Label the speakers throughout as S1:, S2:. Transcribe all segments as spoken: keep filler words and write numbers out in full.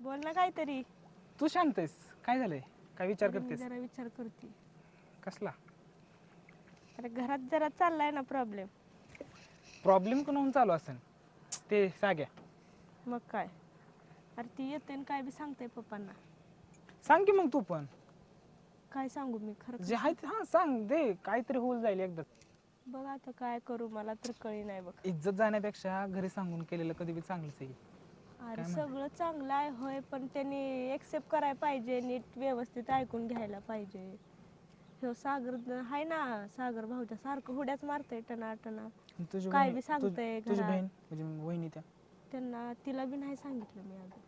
S1: बोल ना काहीतरी.
S2: तू शांत आहेस? काय झालंय? काय विचार
S1: मी
S2: करतेस?
S1: जरा विचार करते.
S2: कसला
S1: अरे घरात जरा चाललाय ना प्रॉब्लेम.
S2: प्रॉब्लेम कोणाहून चालू असेल? ते साग्या.
S1: मग काय? अरे ती येते आणि काय बी सांगते पप्पांना.
S2: सांग की मग तू पण
S1: काय सांगू मी खरं
S2: जे
S1: खरं
S2: आहे ते. हा सांग दे, काहीतरी होऊन जाईल एकदा.
S1: बघ आता काय करू मला तर कळी नाही बघ.
S2: इज्जत जाण्यापेक्षा घरी सांगून केलेलं कधी बी चांगलंच आहे.
S1: अरे
S2: काय म्हणते?
S1: सगळं चांगलं आहे होय, पण त्यांनी एक्सेप्ट करायला पाहिजे, नीट व्यवस्थित ऐकून घ्यायला पाहिजे. ह्यो सागर आहे ना, सागर भाऊच्या सारखं हुड्याच मारतय टना टना.
S2: तुझी
S1: काय
S2: बहीण
S1: बी सांगतंय
S2: तुझी
S1: घरात.
S2: बहीण म्हणजे वहिनी त्या
S1: त्यांना तिला बी नाही सांगितलं मी अजून.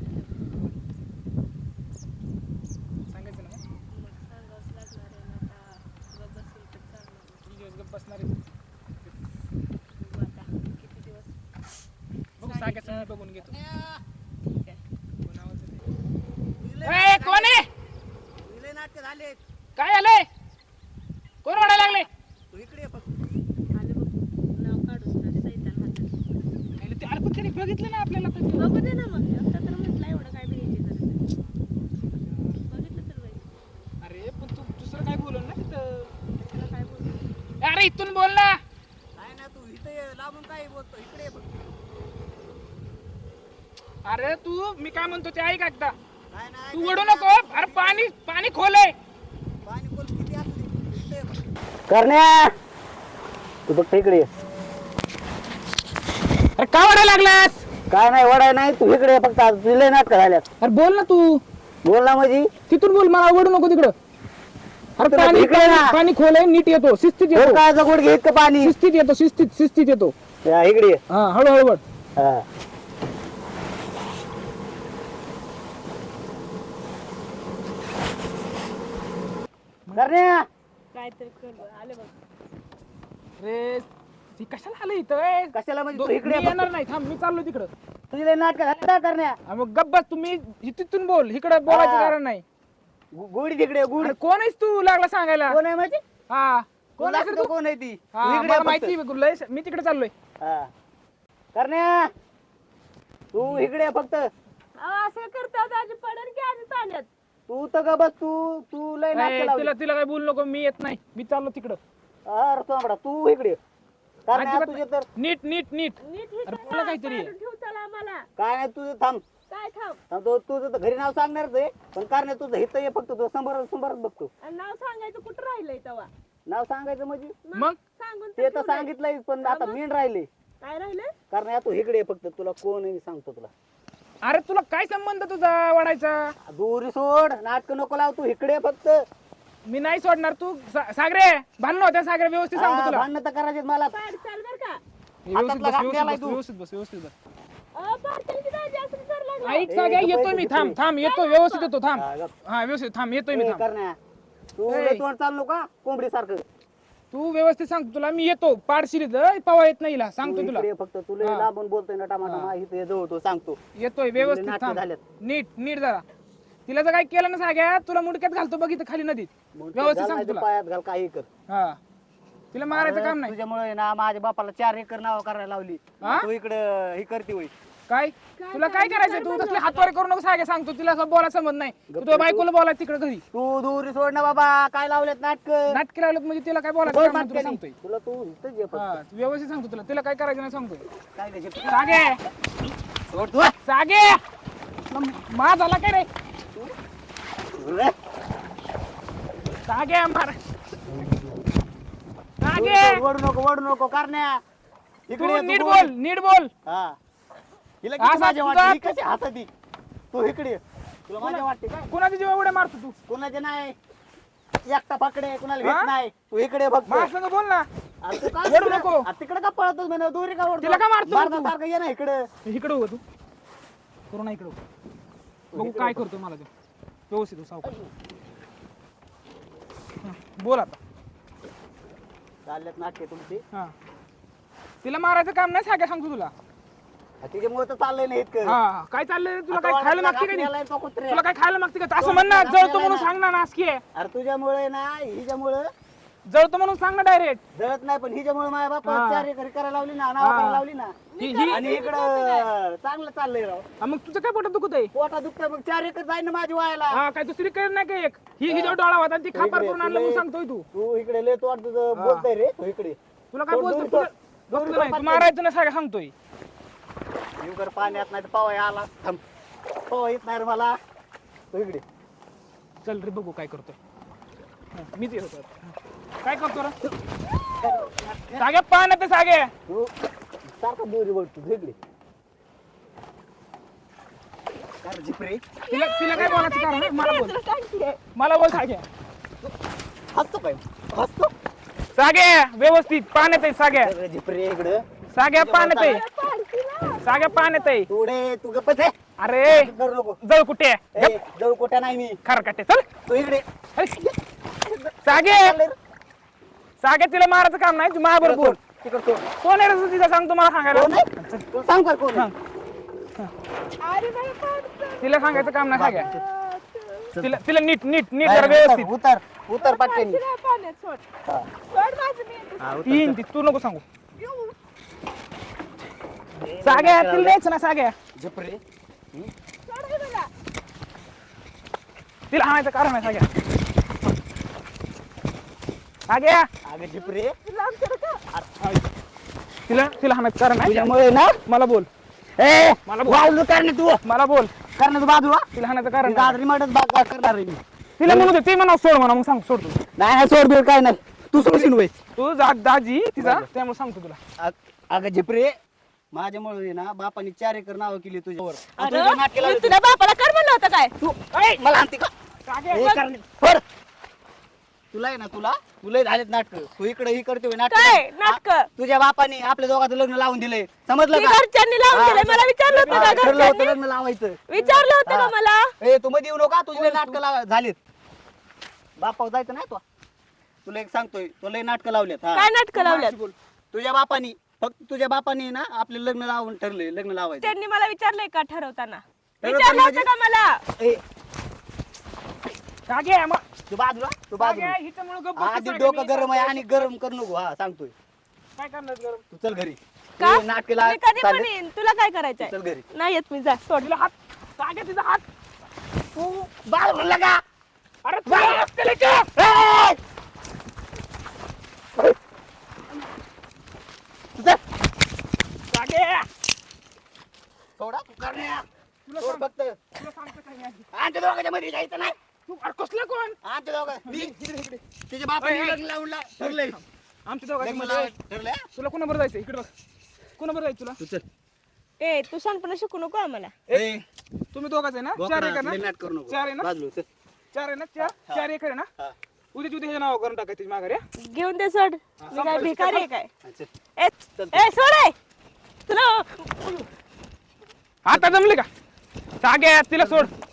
S2: सांगायचं ना
S1: मग सांगावंच लागणार आहे ना आता. गप्प बसेल तर चांगलं.
S2: किती दिवस गप्प बसणार आहे?
S1: बघू आता किती दिवस.
S2: बघू साग्याचं बघून घेतो.
S1: ठीक आहे.
S2: कोण आवाज येतंय? ए, कोण आहे?
S3: विलय नाटक झाले.
S2: काय झालंय? कोण ओरडायला लागले?
S3: तू इकडे ये फक्त.
S1: आले बघ नाव काढूस ना सैतान हातात.
S2: अरे ते अरे पण त्याने बघितलं ना आपल्याला तर.
S1: बघू दे ना मग. आता तर म्हटलं एवढं काय भ्यायची गरज आहे. बघितलं तर बाई.
S2: अरे पण तू दुसरं काय बोलून ना तिथं.
S1: त्याला काय बोलू?
S2: अरे इथून बोल ना.
S3: काय ना तू इथे ये, लांबून काय बोलतो, इकडे ये फक्त.
S2: अरे तू मी काय म्हणतो ते ऐक एकदा.
S3: काय नाही
S2: तू ओढू नको. अरे पाणी पाणी खोल आहे.
S3: पाणी बोल किती असते इकडे ये फक्त. करण्या तू फक्त इकडे ये.
S2: अरे का ओढायला लागलास?
S3: काय नाही वडाय नाही, तू इकडे ये फक्त. आज विलय नाटक झाल्यात.
S2: अरे बोल ना तू.
S3: बोल ना म्हणजे
S2: तिथून बोल, मला ओढू नको तिकडं. अरे
S3: तुला
S2: पाणी
S3: इकडे ना.
S2: पाणी खोल आहे, नीट येतो, शिस्तीत
S3: हो
S2: येतो.
S3: काय जगोड घे इतकं पाणी.
S2: शिस्तीत येतो, शिस्तीत शिस्तीत येतो.
S3: या, इकडे ये.
S2: हा हळूहळू वळ.
S3: हा. करण्या
S1: काहीतरी कर. आले बघ.
S2: रे ती कशाला आलं इथं? ए,
S3: कशाला म्हणजे
S2: दो-
S3: तू इकडे
S2: मी
S3: ये
S2: येणार
S3: फक्त.
S2: नाही, थांब मी चाललो तिकडं.
S3: तुझे नाटक झाले ना करण्या.
S2: हा, मग गप्प बस तुम्ही. तिथून बोल, इकडे बोलायचं
S3: हा.
S2: कारण नाही.
S3: गु- गुढी तिकडे ये, गुढी.
S2: अरे कोण आहेस तू लागला सांगायला?
S3: कोण आहे म्हणजे
S2: हा कोण
S3: कोण
S2: आहेस रे तू?
S3: कोण आहे ती तू
S2: हा
S3: इकडे
S2: मला
S3: ये
S2: माहिती
S3: फक्त.
S2: आहे, लय मी तिकडे चाललोय.
S3: हा. करण्या तू इकडे ये फक्त.
S1: अहो, असं करतात आजी पडन की आधी पाण्यात.
S3: तू तर ग बस. तू तू लय
S2: ए,
S3: नाटक
S2: तिला
S3: लावली.
S2: तिला काय बोलू नको, मी येत नाही, मी चाललो तिकडं.
S3: अरे सोंबडा तू इकडे ये. करण्या
S2: अजिबात
S3: तुझे तर
S2: नीट नीट नीट.
S1: नीट हे
S2: अरे
S1: करा,
S2: बोला काहीतरी.
S1: काढून ठेव चला आम्हाला.
S3: काय नाही तुझं थांब
S1: काय थांब.
S3: थांब, तू- तुझं तर घरी नाव सांगणारच आहे, पण करण्या तुझं हित ये फक्त. तुझं समोर समोरच बघतो.
S1: आणि नाव सांगायचं कुठं राहिलंय तेव्हा?
S3: नाव सांगायचं म्हणजे
S2: मग
S1: सांगून
S3: ते तर
S1: ठेवलंय.
S3: सांगितलंय, पण आता मीन राहिले.
S1: काय राहिलंय?
S3: करण्या तू इकडे ये फक्त. तुला कोण आहे मी सांगतो तुला.
S2: अरे तुला काय संबंध तुझा वाढायचा?
S3: दोरी सोड, नाटक नको लाव. तू इकडे ये फक्त.
S2: मी नाही सोडणार. तू सा- सागरे भांडण होत्या. सागरे व्यवस्थित सांगतो तुला.
S3: भांडण तर करायचे मला.
S1: पाड चाल बर का.
S2: व्यवस्थित
S3: हातातला
S2: बस,
S3: घास
S2: व्यवस्थित
S3: द्यायलाय
S2: बस,
S3: तू.
S2: व्यवस्थित बस, व्यवस्थित बस.
S1: अहो, पाडतील की दाजी असं कर लागला.
S2: ऐक
S3: ए,
S2: साग्या,
S3: गप्प
S2: येतोय
S3: आहे,
S2: मी.
S3: गप्प
S2: थांब
S3: आहे.
S2: थांब येतो, व्यवस्थित येतो. थांब.
S3: हा, गप्प.
S2: हा व्यवस्थित थांब, येतोय मी.
S3: ए,
S2: थांब.
S3: करण्या तू
S2: ए.
S3: लय तोंड चाललो का कोंबडी सारखं.
S2: तू व्यवस्थित सांगतो तुला. मी येतो पाडशिरी पवा येत नाही हिला, सांगतो तुला.
S3: इकडे ये फक्त. तू लय
S2: हा.
S3: लांबून बोलतोय ना टमाटा. इथे जवळ तो सांगतो.
S2: येतोय व्यवस्थित.
S3: नाटकं
S2: थांब
S3: झाल्यात.
S2: नीट नीट जरा. तिला जर काय केलं ना साग्या, तुला मुडक्यात घालतो बघित खाली नदीत.
S3: मग ते
S2: व्यवस्थित
S3: घाल
S2: सांगतो
S3: नाही तर
S2: तुला.
S3: पायात घाल, काही कर.
S2: हा तिला मारायचं काम नाही.
S3: तुझ्यामुळे ना माझ्या बापाला चार एकर नाव करायला लावली.
S2: हा?
S3: तू इकडे हे करते होय.
S2: काय तुला काय करायचं? तू तसले हातवारे करू नको साग्या, सांगतो. तिला असं बोलायला समज नाही. तू तुझ्या बायकोला बोलायचं तिकडे घरी.
S3: तू दूरी सोड ना बाबा. काय लावलेत नाटक.
S2: नाटकी लावलं म्हणजे तिला काय बोलायचं काम नाही, तुला सांगतोय.
S3: तुला तू इथंच ये फक्त.
S2: हा व्यवस्थित सांगतो तुला. तिला काय करायचं नाही सांगतोय.
S3: काय त्याचे
S2: सागे
S3: सोड तू.
S2: सागे म- मा झाला काय रे?
S3: रे.
S2: सागे मार. सागे
S3: सोड, वडू नको वडू नको करण्या.
S2: तू
S3: इकडे ये, तू
S2: नीट
S3: बोल.
S2: बोल, नीट बोल.
S3: हा. हिला
S2: असा
S3: किती माझ्या
S2: तुझा-
S3: वाटते. ही कशी हसती. तू इकडे ये. तुला माझ्या वाटते काय.
S2: कुणाच्या जीवा उड्या मारतो तू?
S3: कोणाचे नाही. एकटा पकडे कुणाला
S2: हा?
S3: घेत नाही. तू इकडे ये फक्त.
S2: माझ्या संग बोल ना.
S3: अरे तू काय
S2: वडू
S3: तिकडे-
S2: नको.
S3: अरे तिकडे का पळतोस म्हणे. दोरी का ओढतो?
S2: तिला का मारतो तू?
S3: मारण्यासारखं ये ना इकडे.
S2: इकडे हो तू. करू ना इकडे. बघू काय करतो मला ते. व्यवस्थित हो, सावकाश. हा, बोल आता.
S3: चाललेत नाटके तुमची.
S2: हा तिला मारायचं काम नाही साग्या, सांगतो तुला.
S3: तिच्यामुळे तर चाललंय नाही इतकं.
S2: हा काय चाललंय? तुला
S3: आता
S2: काय खायला
S3: वाटलं
S2: मागते का
S3: घातलेला
S2: नाही?
S3: आहे तो कुत्र्या.
S2: तुला काय खायला मागते का? असं म्हण ना, जळतो म्हणून सांग ना, नासकी आहे.
S3: अरे तुझ्यामुळे ना हिच्यामुळे
S2: जळतो म्हणून सांग ना डायरेक्ट.
S3: जळत नाही पण हिच्यामुळे माझ्या बापा
S2: हा.
S3: चार एकर करायला लावली ना नाव
S2: हा.
S3: करायला लावली ना
S2: ही ही
S3: आणि इकडं चांगलं चाललंय राव.
S2: हा, मग तुझं काय पोटात दुखत आहे?
S3: पोटा दुखतंय मग चार एकर जाईन ना माझी व्हायला.
S2: हा काय दुसरी कर नाही का एक ही हिच्यावर डोळा होता आणि ती खापर करून आणलं म्हणून सांगतोय तू.
S3: तू इकडे लय तोड तुझं
S2: हा.
S3: बोलतोय रे तू इकडे
S2: तुला काय
S3: दोन-
S2: बोलतो
S3: दोन-
S2: तुला
S3: दोन-
S2: गप्प
S3: दोन
S2: नाही तू
S3: पाच-
S2: मारायचं ना सगळं सांगतोय.
S3: येऊ कर पाण्यात नाही तर पवाय आला थांब पवा येत नाही रे मला तू इकडे
S2: चल रे बघू काय करतोय. हा, मीच येतो आता. हा. काय करतो रे सागे पाण्यात आहे, सागे
S3: तू सारखं दोरी बोलतो तू इकडे काय झिपरे
S2: तिला तिला काय बोलायचं कारण आहे? मला बोल मला बोल सागे.
S3: हसतो काय हसतो
S2: सागे व्यवस्थित पाण्यात आहे सागे.
S3: सगळं झिपरे इकडं
S2: सागे पाण्यात आहे. सागे पाण्यात आहे.
S3: तुडे तू गप्पच आहे
S2: अरे
S3: करू नको
S2: जळ कुठे
S3: ए, जवळ कोट्या नाही मी
S2: खरकाटे चल.
S3: तू इकडे
S2: अरे, सागे सागे तिला मारायचं काम नाही तू माझ्यावर बोल.
S3: तिकडं तो
S2: कोण आहे रे तिला सांग तुम्हाला सांगायला.
S3: कोण आहे? तुला सांग का कोण आहे?
S2: तिला सांगायचं काम नाही सागे. तिला तिला नीट नीट नीट जरा
S3: उतर,
S2: व्यवस्थित
S3: उतर उतर पटकन
S1: पाण्यात सोड
S3: हा.
S1: सोड माझं मी
S3: हा, उतर,
S2: तीन ती तू नको सांगू. सागे तिला द्यायचं ना सागे.
S3: झिपरे
S1: सोड हे मला.
S2: तिला हाणायचं कारण आहे सागे. सागे
S3: अगं झिपरे
S1: लांब कर का?
S2: तिला तिला हाणायचं कारण आहे.
S3: तुझ्यामुळे ना
S2: मला बोल
S3: ए
S2: मला बोल
S3: बाजू करणे तू
S2: मला बोल
S3: करण्याचं बाजू हा
S2: तिला हाणायचं कारण आहे.
S3: दादरी मॅडम बाग करणार आहे मी
S2: तिला म्हणू दे ती म्हणा सोड म्हणा मग सांग सोड तू.
S3: नाही नाही सोड बिल काय नाही तू सोडशील वय
S2: तू जा दाजी तिचा त्यामुळे सांगतो तुला.
S3: अगं झिपरे माझ्यामुळे ना बापाने चार एकर नावं केली तुझ्यावर आणि
S1: अरे,
S3: तुझं नाटक केलं
S1: मी तुझ्या बापाला कर म्हणलं होतं काय
S3: तू ऐ, मला आणते का
S2: सागे
S3: ए, करणे. सोड. तुला आहे ना तुला तुला झालेत नाटक तू इकडे ही करतोय
S1: काय
S3: नाटक
S1: नाटक
S3: तुझ्या बापाने आपल्या दोघांचं लग्न लावून दिलंय समजलं का
S1: घरच्यांनी लावून
S3: हा.
S1: दिलंय मला विचारलं होतं
S3: हा,
S1: का
S3: ठरलं होतं
S1: घरच्यांनी
S3: लग्न लावायचं
S1: विचारलं होतं का
S3: हा.
S1: मला
S3: ए तू मध्ये येऊ नका तुझे नाटक झालीत बापा जायचं नाही तो तुला एक सांगतोय तुला लय नाटक लावल्यात हा.
S1: काय नाटक लावल्यात
S3: तुझ्या बापानी फक्त तुझ्या बापानी ना आपले लग्न लावून ठरले लग्न लावायचं
S1: त्यांनी मला विचारलंय का ठरवताना
S3: ठरवताना
S1: विचारलं होतं का मला
S3: ए
S2: सागे मग
S3: तू बाजूला तू
S2: सागे
S3: बाजूला
S2: हिच्यामुळे गप्प बसतो
S3: आधी
S2: सागे.
S3: डोकं
S2: मी
S3: गरम आहे आणि गरम करू नको हा सांगतोय
S2: काय करणार गरम
S3: तू चल घरी
S1: का
S3: तू नाटक ला
S1: मी कधी पण
S3: चालले.
S1: येईन तुला काय करायचंय
S3: चल घरी
S1: नाही येत मी जा सोड
S2: तिला हात सागे तिचा हात
S3: तू बाजूला लगा
S2: अरे तुला हात केले का?
S3: ए! तू चल.
S2: सागे
S3: सोडा तू करण्या
S2: तुला
S3: सोड
S2: सांग-
S3: फक्त
S2: तुला सांगतो काय आधी.
S3: आमच्या दोघांच्या मध्ये जायचं नाही
S2: तू अरे कसलं कोण
S3: आमच्या दोघं मी तिच्या बापाने लग्न लावून ला- ठरलंय
S2: आमच्या दोघांच्या
S3: लग्न
S2: मध्ये
S3: लावायचं ठरलंय
S2: तुला कोणाबरोबर जायचं इकडे बघ कोणाबरोबर जायचं तुला
S3: तू चल
S1: ए तू शानपणा शिकू नको आम्हाला
S3: ए
S2: तुम्ही दोघांच आहे ना चार
S3: बोकडा,
S2: एकर ना
S3: लय नाटक करू नको
S2: चार आहे ना?
S3: बाजूला चल.
S2: चार आहे ना चार चार एकर आहे ना
S3: हा.
S2: उद्या उद्या हे नाव करून टाकायचं माघारी हा?
S1: घेऊन दे सोड मी काय भिकारी आहे काय
S3: हा, चल.
S1: ए
S3: चल.
S1: ए सोड ए. तुला
S2: आता जमले का सागे तिला सोड